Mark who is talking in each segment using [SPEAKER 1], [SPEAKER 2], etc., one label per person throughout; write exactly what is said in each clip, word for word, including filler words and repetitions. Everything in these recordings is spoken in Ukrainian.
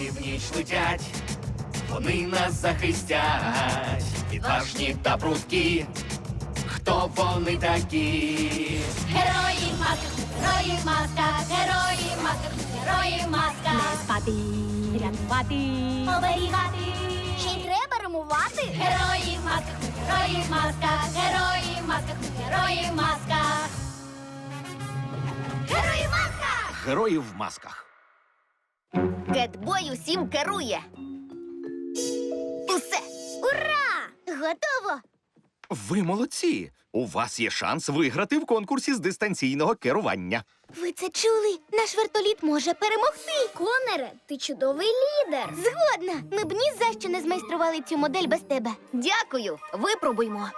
[SPEAKER 1] герої в ніч летять, вони нас захистять, відважні та прудкі. Хто вони такі?
[SPEAKER 2] Герої в масках, герої в масках, герої в масках, герої в масках. Не спати, рятувати, оберігати. Ще й треба римувати. Герої в масках, герої в масках, герої в масках, герої в масках. Герої в масках!
[SPEAKER 3] Герої в масках.
[SPEAKER 4] Кетбой усім керує. Усе!
[SPEAKER 2] Ура! Готово!
[SPEAKER 3] Ви молодці! У вас є шанс виграти в конкурсі з дистанційного керування.
[SPEAKER 2] Ви це чули? Наш вертоліт може перемогти. Конере, ти чудовий лідер. Згодна. Ми б ні за що не змайстрували цю модель без тебе.
[SPEAKER 4] Дякую, випробуймо.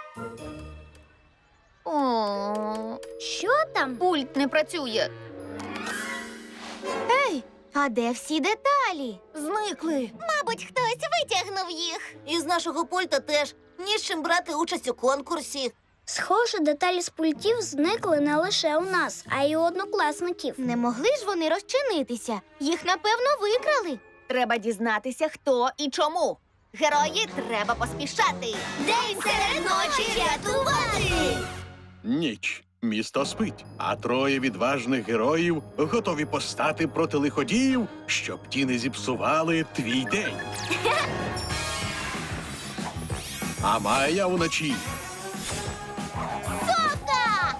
[SPEAKER 4] О,
[SPEAKER 2] Що там?
[SPEAKER 4] пульт не працює.
[SPEAKER 2] Ей, а де всі деталі?
[SPEAKER 4] Зникли.
[SPEAKER 2] Мабуть, хтось витягнув їх.
[SPEAKER 4] Із нашого пульта теж ні з чим брати участь у конкурсі.
[SPEAKER 5] Схоже, деталі з пультів зникли не лише у нас, а й у однокласників.
[SPEAKER 2] Не могли ж вони розчинитися? Їх, напевно, викрали.
[SPEAKER 4] Треба дізнатися, хто і чому. Герої, треба поспішати.
[SPEAKER 2] День серед ночі рятувати!
[SPEAKER 6] Ніч. Місто спить, а троє відважних героїв готові постати проти лиходіїв, щоб ті не зіпсували твій день. А Майя вночі.
[SPEAKER 2] Совка!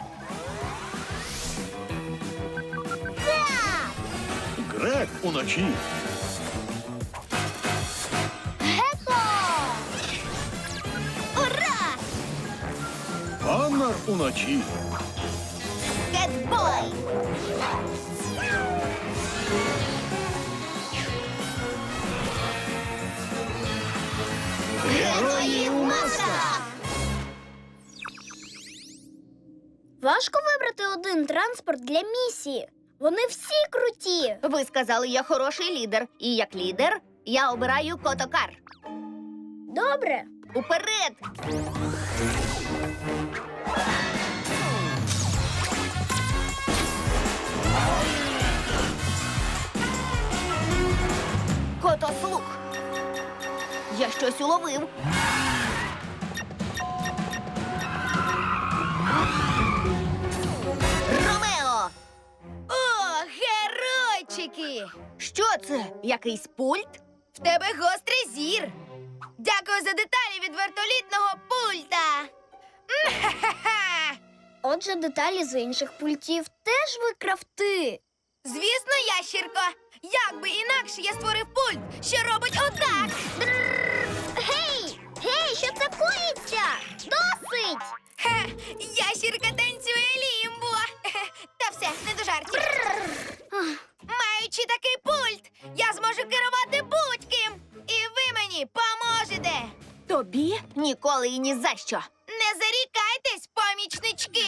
[SPEAKER 2] Так!
[SPEAKER 6] Грек уночі.
[SPEAKER 2] Геко! Ура!
[SPEAKER 6] Коннор уночі.
[SPEAKER 4] Кетбой!
[SPEAKER 2] Герої у масках!
[SPEAKER 5] Важко вибрати один транспорт для місії. Вони всі круті.
[SPEAKER 4] Ви сказали, я хороший лідер. І як лідер я обираю котокар.
[SPEAKER 5] Добре.
[SPEAKER 4] Уперед! Котослух. Я щось уловив. Ромео!
[SPEAKER 7] О, геройчики!
[SPEAKER 4] Що це? Якийсь пульт?
[SPEAKER 7] В тебе гострий зір. Дякую за деталі від вертолітного пульта. М-ха-ха-ха!
[SPEAKER 5] Отже, деталі з інших пультів теж викрав ти.
[SPEAKER 7] Звісно, ящірко. Як би інакше я створив пульт, що робить отак.
[SPEAKER 2] Гей! Гей, що це коїться? Досить!
[SPEAKER 7] Хе, ящірка танцює лімбо. Хе, Та все, не до жартів. Маючи такий пульт, я зможу керувати будь-ким. І ви мені поможете.
[SPEAKER 4] Тобі? Ніколи і ні за що.
[SPEAKER 7] Не зарікайтесь, помічнички.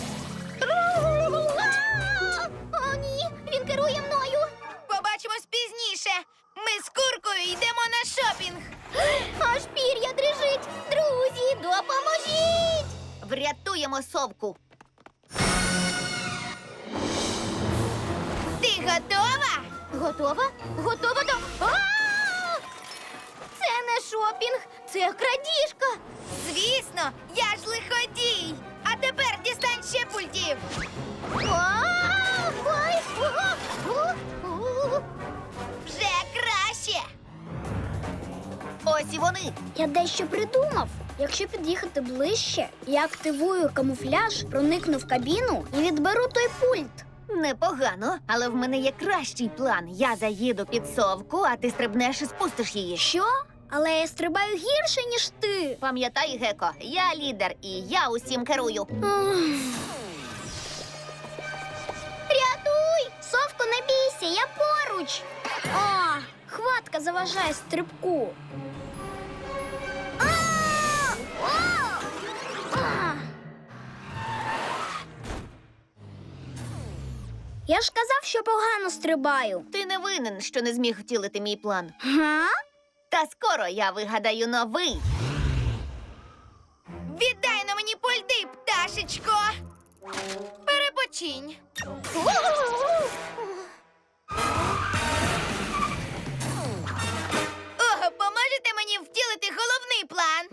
[SPEAKER 2] О, ні, він керує мною.
[SPEAKER 7] Побачимось пізніше. Ми з куркою йдемо на шопінг.
[SPEAKER 2] Аж пір'я дрижить. Друзі, допоможіть!
[SPEAKER 4] Врятуємо совку.
[SPEAKER 7] Ти готова?
[SPEAKER 2] Готова? Готова до... А! Це не шопінг, це крадіжка.
[SPEAKER 7] Звісно, я ж лиходій. А тепер дістань ще пультів.
[SPEAKER 2] А! Ой! О! О! О!
[SPEAKER 7] Вже краще.
[SPEAKER 4] Ось і вони.
[SPEAKER 5] Я дещо придумав. Якщо під'їхати ближче, я активую камуфляж, проникну в кабіну і відберу той пульт.
[SPEAKER 4] Непогано, але в мене є кращий план. Я заїду під совку, а ти стрибнеш і спустиш її.
[SPEAKER 5] Що? Але я стрибаю гірше, ніж ти.
[SPEAKER 4] Пам'ятай, Геко, я лідер і я усім керую.
[SPEAKER 5] Рятуй! Совко, не бійся, я поруч. О, хватка заважає стрибку. А! Я ж казав, що погано стрибаю.
[SPEAKER 4] Ти не винен, що не зміг втілити мій план.
[SPEAKER 5] Га?
[SPEAKER 4] Та скоро я вигадаю новий.
[SPEAKER 7] Віддай на мені пульти, пташечко. Перепочинь.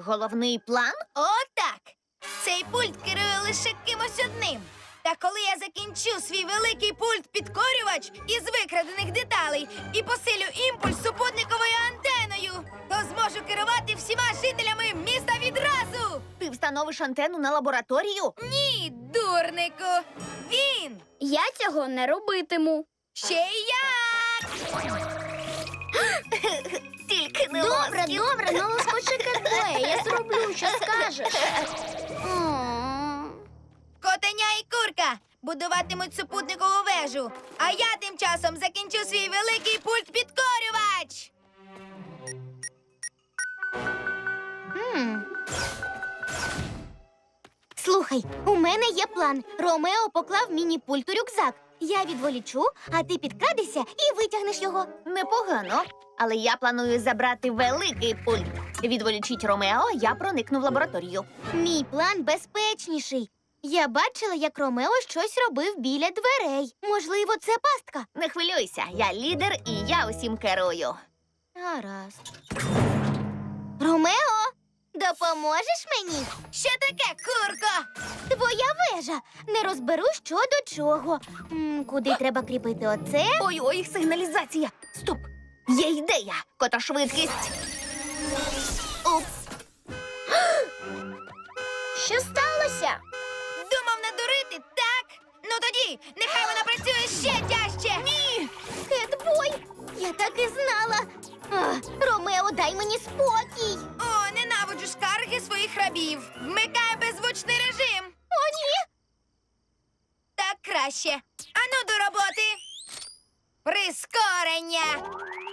[SPEAKER 4] головний план?
[SPEAKER 7] Отак. Цей пульт керує лише кимось одним. Та коли я закінчу свій великий пульт-підкорювач із викрадених деталей і посилю імпульс супутниковою антеною, то зможу керувати всіма жителями міста відразу.
[SPEAKER 4] Ти встановиш антенну на лабораторію?
[SPEAKER 7] Ні, дурнику. Він.
[SPEAKER 5] Я цього не робитиму.
[SPEAKER 7] Ще й як.
[SPEAKER 4] Тільки не
[SPEAKER 5] Добре,
[SPEAKER 4] лоскіт.
[SPEAKER 5] добре, ну лоскочи Кетбоя, я зроблю, що скажеш. М.
[SPEAKER 7] Котеня і курка будуватимуть супутникову вежу, а я тим часом закінчу свій великий пульт-підкорювач.
[SPEAKER 5] М. Слухай, у мене є план. Ромео поклав міні-пульт у рюкзак. Я відволічу, а ти підкрадешся і витягнеш його.
[SPEAKER 4] Непогано. Але я планую забрати великий пульт. Відволічіть Ромео, я проникну в лабораторію.
[SPEAKER 5] Мій план безпечніший. Я бачила, як Ромео щось робив біля дверей. Можливо, це пастка.
[SPEAKER 4] Не хвилюйся, я лідер і я усім керую.
[SPEAKER 5] Гаразд. Ромео, допоможеш мені?
[SPEAKER 7] Що таке, курко?
[SPEAKER 5] Твоя вежа. Не розберу, що до чого. М, куди треба кріпити оце?
[SPEAKER 4] Ой-ой, сигналізація. Стоп! Є ідея. Котошвидкість. Упс.
[SPEAKER 5] Що сталося?
[SPEAKER 7] Думав надурити, так? Ну тоді, нехай вона працює ще тяжче. Ні!
[SPEAKER 5] Кетбой! Я так і знала. А, Ромео, дай мені спокій.
[SPEAKER 7] О, ненавиджу скарги своїх рабів. Вмикай беззвучний режим.
[SPEAKER 5] О, ні.
[SPEAKER 7] Так краще. Ану до роботи. Прискорення.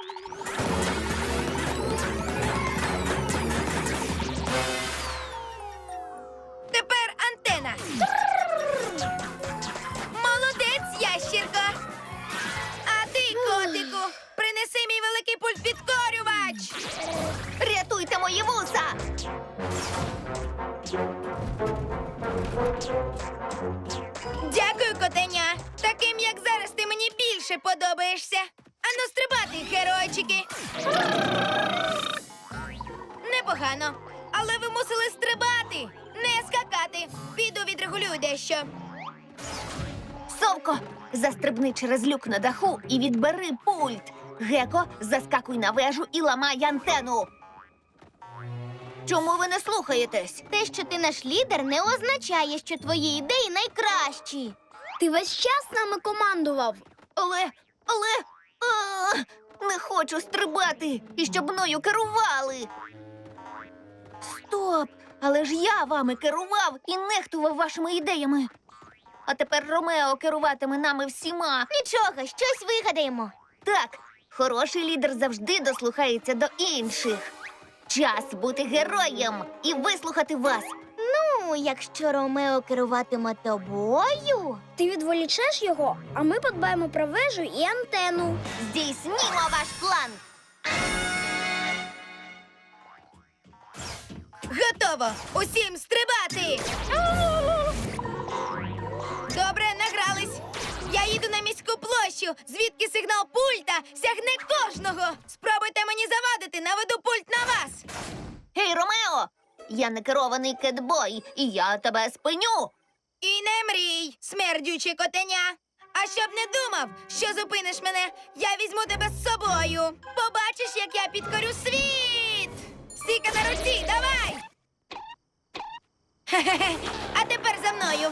[SPEAKER 7] Тепер антена. Молодець, ящірко. А ти, котику, принеси мій великий пульт-підкорювач.
[SPEAKER 4] Рятуйте мої вуса!
[SPEAKER 7] Дякую, котеня. Таким, як зараз, ти мені більше подобаєшся. Ану, стрибати, геройчики. Непогано. Але ви мусили стрибати, не скакати. Піду відрегулюю дещо.
[SPEAKER 4] Совко, застрибни через люк на даху і відбери пульт. Геко, заскакуй на вежу і ламай антену. Чому ви не слухаєтесь?
[SPEAKER 5] Те, що ти наш лідер, не означає, що твої ідеї найкращі. Ти весь час нами командував.
[SPEAKER 4] Але, але, а, не хочу стрибати і щоб мною керували. Стоп! Але ж я вами керував і нехтував вашими ідеями. А тепер Ромео керуватиме нами всіма.
[SPEAKER 5] Нічого, щось вигадаємо.
[SPEAKER 4] Так, хороший лідер завжди дослухається до інших. Час бути героєм і вислухати вас.
[SPEAKER 5] Ну, якщо Ромео керуватиме тобою, ти відволічеш його, а ми подбаємо про вежу і антенну.
[SPEAKER 4] Здійснімо ваш план.
[SPEAKER 7] Готово! Усім стрибати! Добре, награлись. Я їду на міську площу, звідки сигнал пульта сягне кожного. Спробуйте мені завадити, наведу пульт на вас.
[SPEAKER 4] Гей, Ромео! Я не керований кетбой, і я тебе спиню.
[SPEAKER 7] І не мрій, смердюче котеня. А щоб не думав, що зупиниш мене, я візьму тебе з собою. Побачиш, як я підкорю світ. Стійка на руці, давай! Хе-хе-хе. А тепер за мною.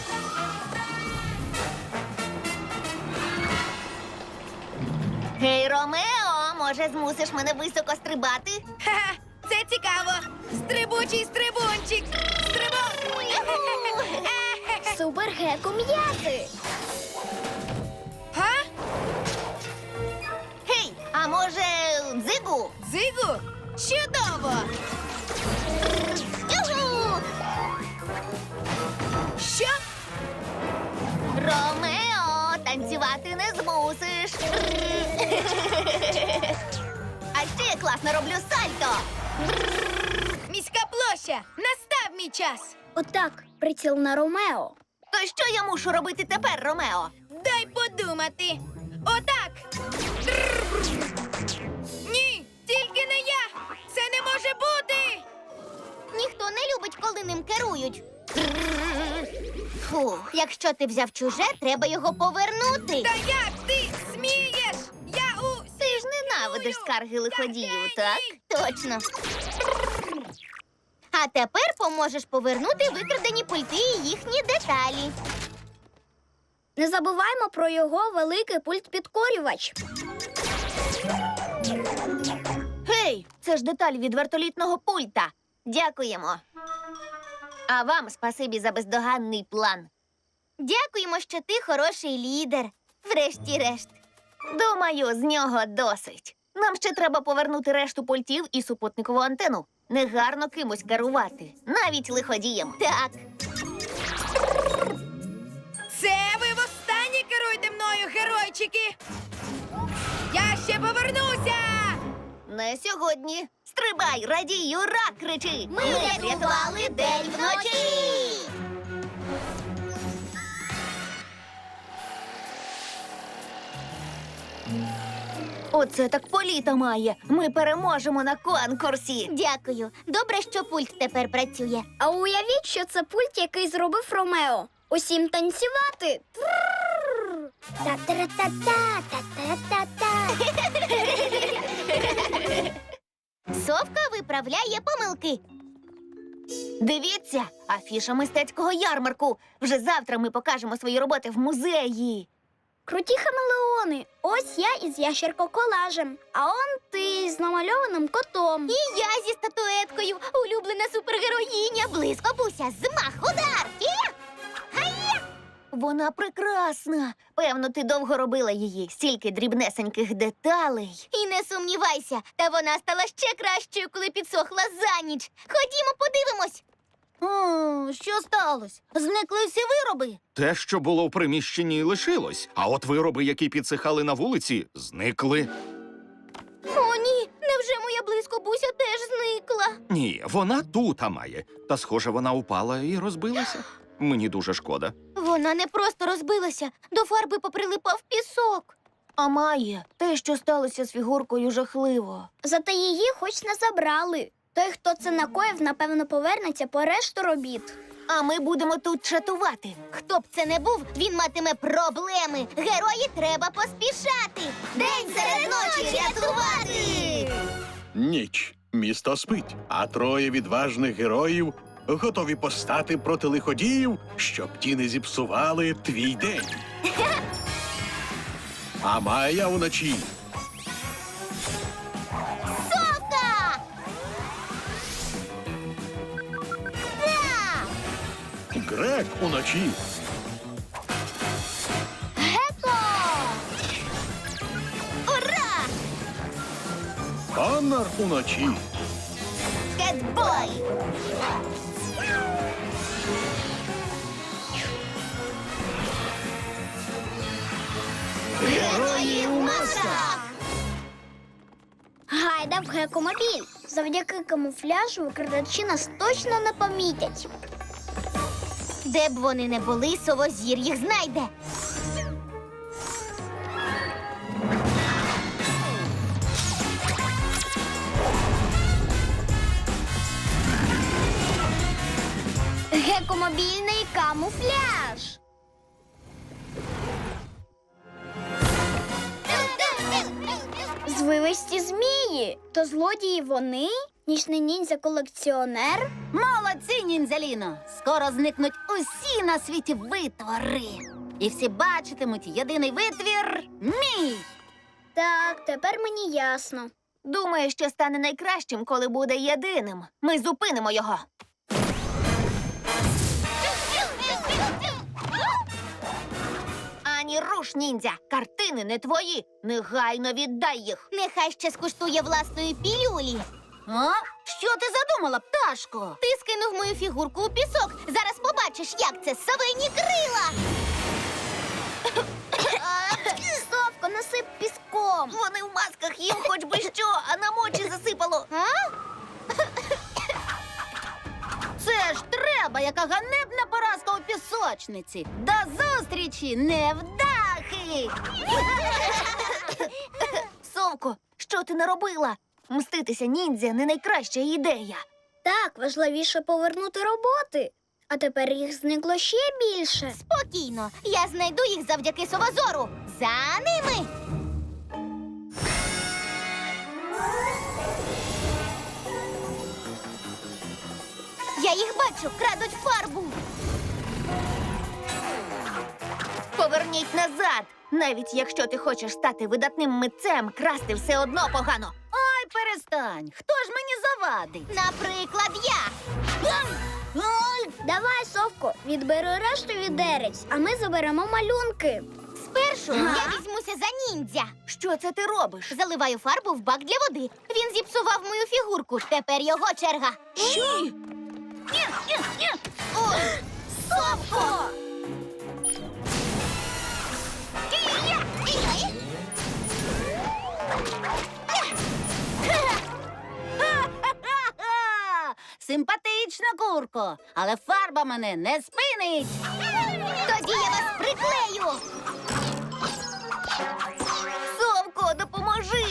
[SPEAKER 4] Гей, Ромео, може, змусиш мене високо стрибати?
[SPEAKER 7] Ха-ха, це цікаво. Стрибучий стрибунчик. Стрибун.
[SPEAKER 5] Супер геко м'яти.
[SPEAKER 7] Га?
[SPEAKER 4] Гей, а може, дзигу?
[SPEAKER 7] Дзигу? Чудово!
[SPEAKER 4] Юху!
[SPEAKER 7] Що?
[SPEAKER 4] Ромео, танцювати не змусиш. А ще я класно роблю сальто.
[SPEAKER 7] Міська площа. Настав мій час.
[SPEAKER 5] Отак, приціл на Ромео.
[SPEAKER 4] То що я мушу робити тепер, Ромео?
[SPEAKER 7] Дай подумати. Отак. Ні, тільки не я. Це не може бути.
[SPEAKER 2] Ніхто не любить, коли ним керують. Фух, якщо ти взяв чуже, треба його повернути.
[SPEAKER 7] Та як ти смієш? Я у...
[SPEAKER 4] Ти ж ненавидиш скарги лиходіїв, так?
[SPEAKER 2] Точно. А тепер поможеш повернути викрадені пульти і їхні деталі.
[SPEAKER 5] Не забуваємо про його великий пульт-підкорювач.
[SPEAKER 4] Гей, це ж деталь від вертолітного пульта. Дякуємо. А вам спасибі за бездоганний план.
[SPEAKER 2] Дякуємо, що ти хороший лідер. Врешті-решт.
[SPEAKER 4] Думаю, з нього досить. Нам ще треба повернути решту пультів і супутникову антену. Негарно кимось керувати, навіть лиходієм.
[SPEAKER 2] Так.
[SPEAKER 7] Це ви востаннє керуєте мною, геройчики! Я ще повернуся!
[SPEAKER 4] Не сьогодні. Стрибай, радій, ура, кричи!
[SPEAKER 2] Ми рятували день вночі!
[SPEAKER 4] Оце так політа має. Ми переможемо на конкурсі.
[SPEAKER 2] Дякую. Добре, що пульт тепер працює.
[SPEAKER 5] А уявіть, що це пульт, який зробив Ромео. Усім танцювати. Трррр. Та-та-ра-та-та, та-та-та-та.
[SPEAKER 2] Совка виправляє помилки.
[SPEAKER 4] Дивіться, афіша мистецького ярмарку. Вже завтра ми покажемо свої роботи в музеї.
[SPEAKER 5] Круті хамелеони. Ось я із ящерко-колажем, а он ти з намальованим котом.
[SPEAKER 2] І я зі статуеткою, улюблена супергероїня, близько буся, змах, удар! І...
[SPEAKER 4] Вона прекрасна. Певно, ти довго робила її. Стільки дрібнесеньких деталей.
[SPEAKER 2] І не сумнівайся, та вона стала ще кращою, коли підсохла за ніч. Ходімо, подивимось.
[SPEAKER 4] О, що сталося? Зникли всі вироби?
[SPEAKER 3] Те, що було в приміщенні, лишилось. А от вироби, які підсихали на вулиці, зникли.
[SPEAKER 2] О, ні, невже моя близько буся теж зникла?
[SPEAKER 3] Ні, вона тут а має. Та, схоже, вона упала і розбилася. Мені дуже шкода.
[SPEAKER 2] Вона не просто розбилася, до фарби поприлипав пісок.
[SPEAKER 4] А має, те, що сталося з фігуркою, жахливо.
[SPEAKER 5] Зате її хоч не забрали. Той, хто це накоїв, напевно, повернеться по решту робіт.
[SPEAKER 4] А ми будемо тут чатувати.
[SPEAKER 2] Хто б це не був, він матиме проблеми. Герої треба поспішати. День серед ночі рятувати.
[SPEAKER 6] Ніч. Місто спить, а троє відважних героїв готові постати проти лиходіїв, щоб ті не зіпсували твій день. А Майя уночі.
[SPEAKER 2] Совка! Так!
[SPEAKER 6] Грек уночі.
[SPEAKER 2] Геко! Ура!
[SPEAKER 6] Коннор уночі.
[SPEAKER 2] Кетбой! Герої у масках!
[SPEAKER 5] Гайда в гекомобіль. Завдяки камуфляжу викрадачі нас точно не помітять.
[SPEAKER 2] Де б вони не були, совозір їх знайде.
[SPEAKER 5] Гекомобільний камуфляж. Звивисті змії. То злодії вони? Нічний ніндзя-колекціонер?
[SPEAKER 4] Молодці, ніндзяліно! Скоро зникнуть усі на світі витвори. І всі бачитимуть єдиний витвір мій.
[SPEAKER 5] Так, тепер мені ясно.
[SPEAKER 4] Думаю, що стане найкращим, коли буде єдиним. Ми зупинимо його. Ані руш, ніндзя! Картини не твої! Негайно віддай їх!
[SPEAKER 2] Нехай ще скуштує власної пілюлі.
[SPEAKER 4] А? Що ти задумала, пташко?
[SPEAKER 2] Ти скинув мою фігурку у пісок. Зараз побачиш, як це совині крила.
[SPEAKER 5] Совко, насип піском.
[SPEAKER 4] Вони в масках, їм хоч би що, а нам очі засипало.
[SPEAKER 2] А?
[SPEAKER 4] Це ж треба, яка ганебна поразка у пісочниці. До зустрічі, невдахи! Совко, що ти наробила? Мститися ніндзя не найкраща ідея.
[SPEAKER 5] Так, важливіше повернути роботи. А тепер їх зникло ще більше.
[SPEAKER 2] Спокійно, я знайду їх завдяки совозору. За ними. Я їх бачу, крадуть фарбу.
[SPEAKER 4] Поверніть назад. Навіть якщо ти хочеш стати видатним митцем, красти все одно погано.
[SPEAKER 2] Ой, перестань. Хто ж мені завадить? Наприклад, я. Ой,
[SPEAKER 5] Давай, Совко, відбери решту відерець, а ми заберемо малюнки.
[SPEAKER 2] спершу я візьмуся за ніндзя.
[SPEAKER 4] Що це ти робиш?
[SPEAKER 2] Заливаю фарбу в бак для води. Він зіпсував мою фігурку. Тепер його черга.
[SPEAKER 4] Що?
[SPEAKER 2] Ой, Совко!
[SPEAKER 8] Симпатична курко, але фарба мене не спинить.
[SPEAKER 2] Тоді я вас приклею.
[SPEAKER 4] Совко, допоможи!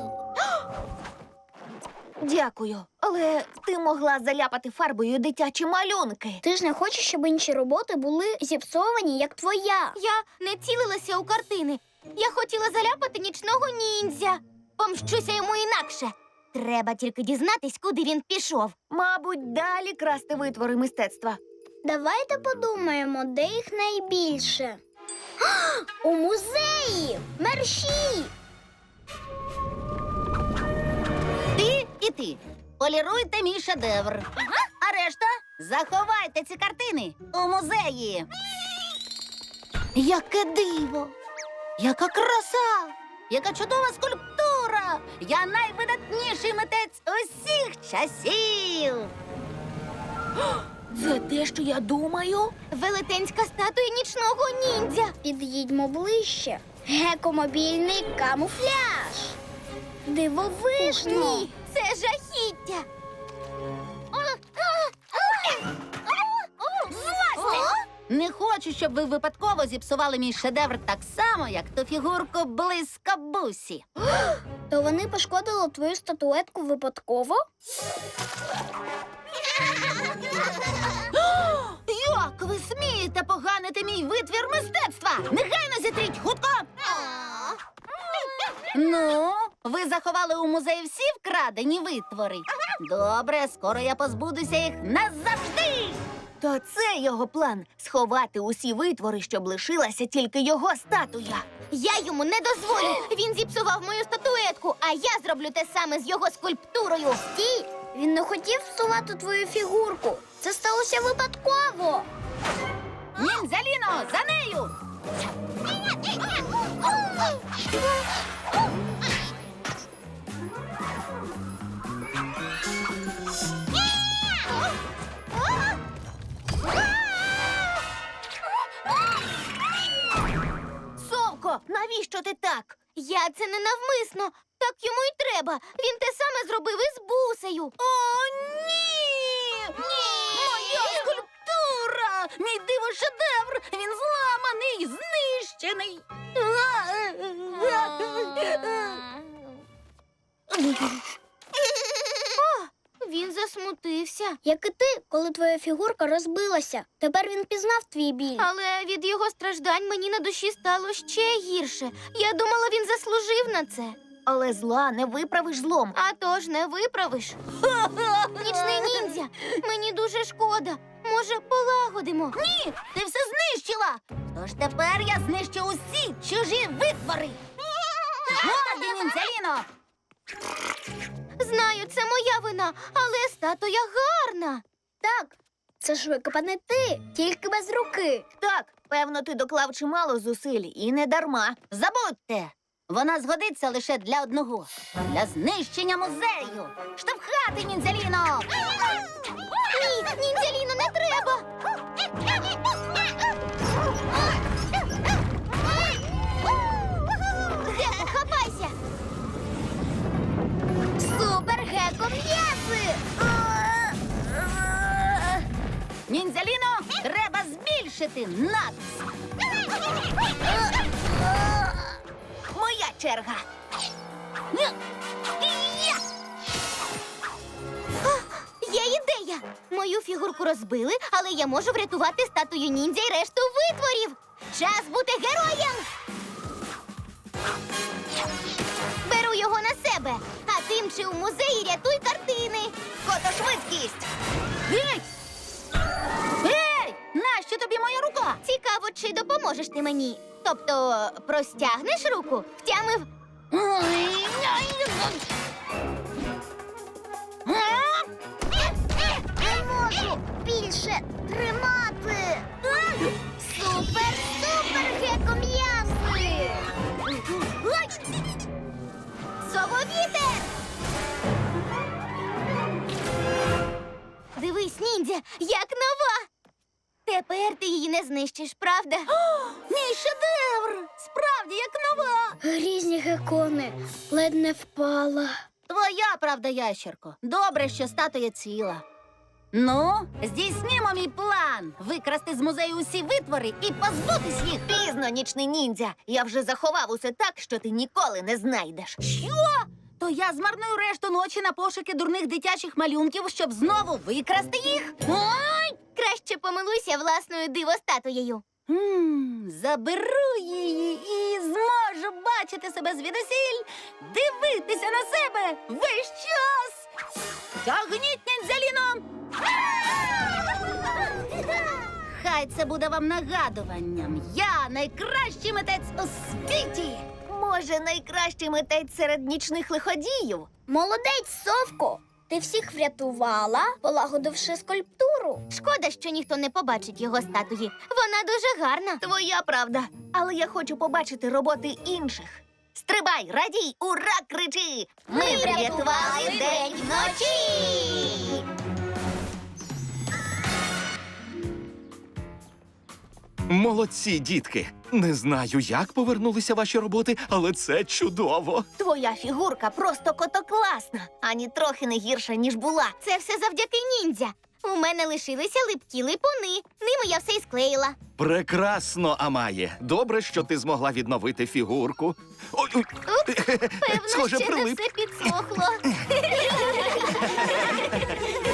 [SPEAKER 4] Дякую, але ти могла заляпати фарбою дитячі малюнки.
[SPEAKER 5] Ти ж не хочеш, щоб інші роботи були зіпсовані, як твоя.
[SPEAKER 2] Я не цілилася у картини. Я хотіла заляпати нічного ніндзя. Помщуся йому інакше. Треба тільки дізнатись, куди він пішов.
[SPEAKER 4] Мабуть, далі красти витвори мистецтва.
[SPEAKER 5] Давайте подумаємо, де їх найбільше. У музеї! Мерщій!
[SPEAKER 8] Ти і ти. Поліруйте мій шедевр. А решта заховайте ці картини у музеї. Яке диво! Яка краса! Яка чудова скульптура! Я найвидатніший митець усіх часів!
[SPEAKER 4] Це те, що я думаю?
[SPEAKER 2] Велетенська статуя нічного ніндзя.
[SPEAKER 5] Під'їдьмо ближче. Гекомобільний камуфляж. Дивовижно.
[SPEAKER 2] Ні, це жахіття.
[SPEAKER 8] Не хочу, щоб ви випадково зіпсували мій шедевр так само, як ту фігурку блискабусі.
[SPEAKER 5] То вони пошкодили твою статуетку випадково?
[SPEAKER 8] Як ви смієте поганити мій витвір мистецтва? Негайно зітріть, хутко! Ну, ви заховали у музеї всі вкрадені витвори. Добре, скоро я позбудуся їх назавжди.
[SPEAKER 4] То це його план — сховати усі витвори, щоб лишилася тільки його статуя.
[SPEAKER 2] Я йому не дозволю. Він зіпсував мою статуетку, а я зроблю те саме з його скульптурою.
[SPEAKER 5] Стій! Він не хотів всувати твою фігурку. Це сталося випадково.
[SPEAKER 8] Ніндзяліно, за нею!
[SPEAKER 4] Совко, навіщо ти так?
[SPEAKER 2] Я це не навмисно. Так йому й треба. Він те саме зробив із бусею.
[SPEAKER 8] О, ні! Ні! Моя скульптура! Мій диво-шедевр! Він зламаний, знищений!
[SPEAKER 2] Він засмутився.
[SPEAKER 5] Як і ти, коли твоя фігурка розбилася. Тепер він пізнав твій біль.
[SPEAKER 2] Але від його страждань мені на душі стало ще гірше. Я думала, він заслужив на це.
[SPEAKER 4] Але зла не виправиш злом.
[SPEAKER 2] А то ж не виправиш. Нічний ніндзя, мені дуже шкода. Може, полагодимо?
[SPEAKER 8] Ні, ти все знищила! Тож тепер я знищу усі чужі витвори! Годі, Ніндзяліно!
[SPEAKER 2] Знаю, це моя вина, але статуя гарна.
[SPEAKER 5] Так, це ж викопане ти, тільки без руки.
[SPEAKER 4] Так, певно, ти доклав чимало зусиль, і не дарма.
[SPEAKER 8] Забудьте! Вона згодиться лише для одного — для знищення музею! Штовхати, Ніндзяліно!
[SPEAKER 2] Ні, ніндзяліно, не треба. Геко, хапайся. Супер, Геко, м'яси.
[SPEAKER 8] Ніндзяліно, треба збільшити натиск!
[SPEAKER 4] Моя черга.
[SPEAKER 2] Є ідея. Мою фігурку розбили, але я можу врятувати статую ніндзя і решту витворів. Час бути героєм! Беру його на себе, а ти мчи у музеї, рятуй картини.
[SPEAKER 8] Фотошвидкість! Гей! Гей! Нащо тобі моя рука?
[SPEAKER 2] Цікаво, чи допоможеш ти мені? Тобто, простягнеш руку, втямив.
[SPEAKER 5] Не можу більше тримати.
[SPEAKER 2] Супер, супер, геком'яси! Сововітер! Дивись, ніндзя, як нова! Тепер ти її не знищиш, правда?
[SPEAKER 8] Мій шедевр! Справді, як нова!
[SPEAKER 5] Різні гекони. Ледь не впала.
[SPEAKER 8] Твоя правда, ящерко. Добре, що статуя ціла. Ну, здійснімо мій план. Викрасти з музею усі витвори і позбутись їх.
[SPEAKER 4] Пізно, нічний ніндзя. Я вже заховав усе так, що ти ніколи не знайдеш.
[SPEAKER 8] Що? То я змарную решту ночі на пошуки дурних дитячих малюнків, щоб знову викрасти їх? Ой!
[SPEAKER 2] Краще помилуйся власною дивостатуєю.
[SPEAKER 8] М, Заберу її і зможу бачити себе звідусіль, дивитися на себе весь час. Тягніть ніндзяліно! Хай це буде вам нагадуванням. Я найкращий митець у світі.
[SPEAKER 4] Може, найкращий митець серед нічних лиходіїв?
[SPEAKER 5] Молодець, Совко! Ти всіх врятувала, полагодивши скульптуру.
[SPEAKER 2] Шкода, що ніхто не побачить його статуї. Вона дуже гарна.
[SPEAKER 4] Твоя правда. Але я хочу побачити роботи інших. Стрибай, радій, ура, кричи! Ми врятували день вночі!
[SPEAKER 3] Молодці, дітки. Не знаю, як повернулися ваші роботи, але це чудово.
[SPEAKER 4] Твоя фігурка просто котокласна, ані трохи не гірша, ніж була.
[SPEAKER 2] Це все завдяки ніндзя. У мене лишилися липкі липуни. Ними я все й склеїла.
[SPEAKER 3] Прекрасно, Амає. Добре, що ти змогла відновити фігурку. Ой, ой.
[SPEAKER 2] Певно,
[SPEAKER 3] Схоже,
[SPEAKER 2] ще не
[SPEAKER 3] прилип.
[SPEAKER 2] все підсохло.